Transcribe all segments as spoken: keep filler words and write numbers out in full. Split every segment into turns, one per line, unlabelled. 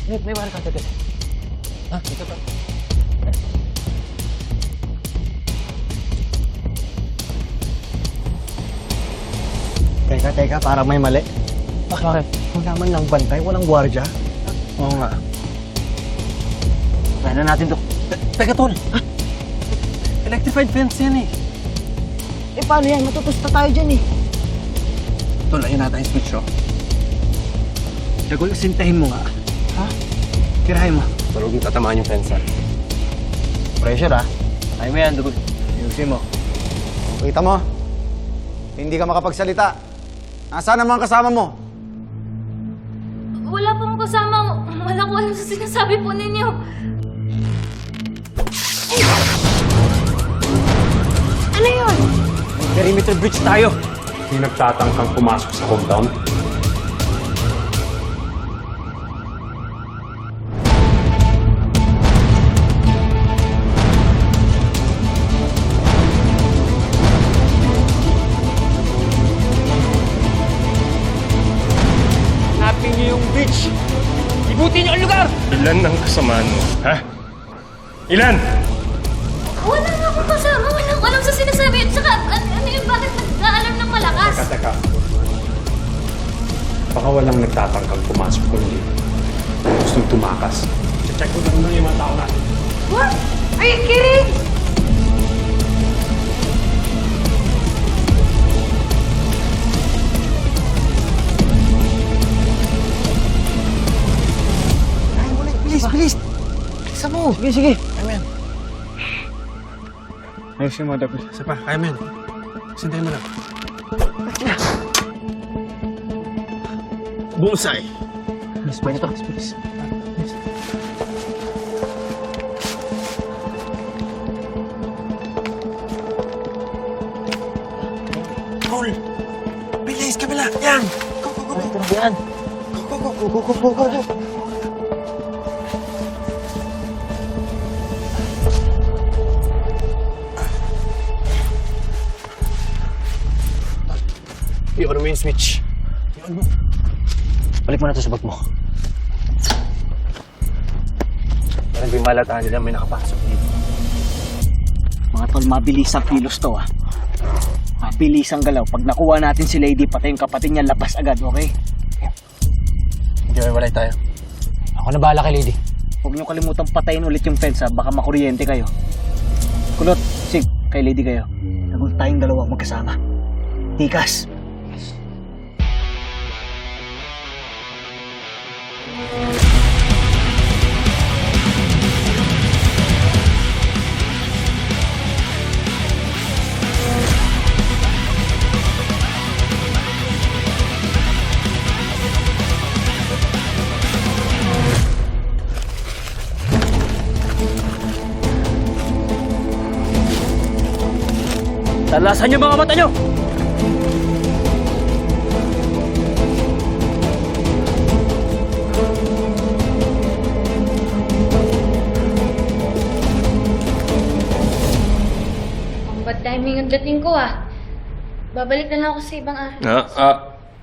May, may wala ka agad. Ha? Ito pa.
Teka, teka, parang may mali.
Bakit?
Wala man lang bantay, walang gwardya.
Oo nga. Kaya na natin to.
Teka, tol. Electrified fence yan eh.
Eh, paano yan? Matutusta tayo dyan eh.
Tol, ayun natin yung switch, oh.
Dagol, sintahin mo nga. Ha? Kirahin mo.
Pero huwag mong tatamaan yung fence, ha?
Pressure, ha?
Ay mo yan, dugol.
Ayusin mo. Kita mo? Hindi ka makapagsalita. Nasaan ang mga kasama mo?
Wala pong kasama. Wala ko alam sa sinasabi po ninyo. Ano yun?
Perimeter bridge tayo.
May nagtatangkang pumasok sa compound.
Hanapin niyo yung bridge. Ibutin niyo ang lugar!
Ilan ang kasamaan mo, ha? Ilan?
Wala nga akong kasama. Wala ko alam sa sinasabi. At saka, ano, ano yun? Bakit nag-aalam ng malakas?
Teka, teka. Baka walang nagtatangkang pumasok kundi gustong tumakas. Check ko na muna yung mga tao natin.
What? Are you kidding?
Kirahin mo na, bilis, bilis. Bilisan mo. Sige, sige.
Amen.
Ayusin mo, Dagol.
Isa pa, kaya mo yan. Sintayin mo lang. Bullseye.
Bilis, ba nito? Bilis.
Tol! Bilis, kabila! Yan! Go, go, go, go!
Ito na yan.
Go, go, go!
Go, go, go, go, go.
I-on mo yung switch. I-on mo.
Balik mo na to sa bag mo.
Parang bimalataan nila may nakapasok dito.
Mga tol, mabilis ang kilos to, ah. Mabilis ang galaw. Pag nakuha natin si Lady, pati yung kapatid niya, labas agad, okay?
Hindi may walay tayo.
Ako na bahala kay Lady.
Huwag niyo kalimutang patayin ulit yung fence, ha? Baka makuryente kayo. Kulot, Sig, kay Lady kayo. Nagul tayong dalawa magkasama. Tikas.
Talasan niyo mga mata niyo!
Ang bad timing ang dating ko ah. Babalik na lang ako sa ibang araw.
Ah, ah.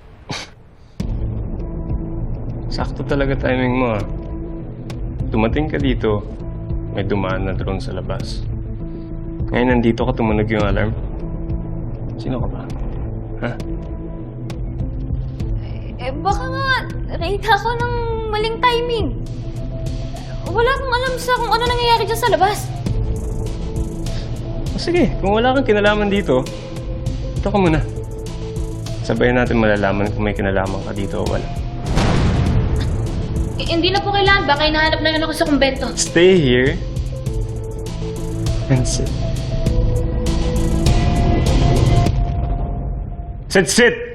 Sakto talaga timing mo, ah. Dumating ka dito, may dumaan na drone sa labas. Ngayon nandito ka, tumunog yung alarm. Sino ka ba? Ha?
Eh baka nga, nakita ako ng maling timing. Wala akong alam sa kung ano nangyayari dyan sa labas.
O sige, kung wala kang kinalaman dito, ito ka muna. Sabayan natin malalaman kung may kinalaman ka dito o wala.
Eh, hindi na po kailangan. Baka hinahanap na yun ako sa kumbento.
Stay here and sit. Sit, sit!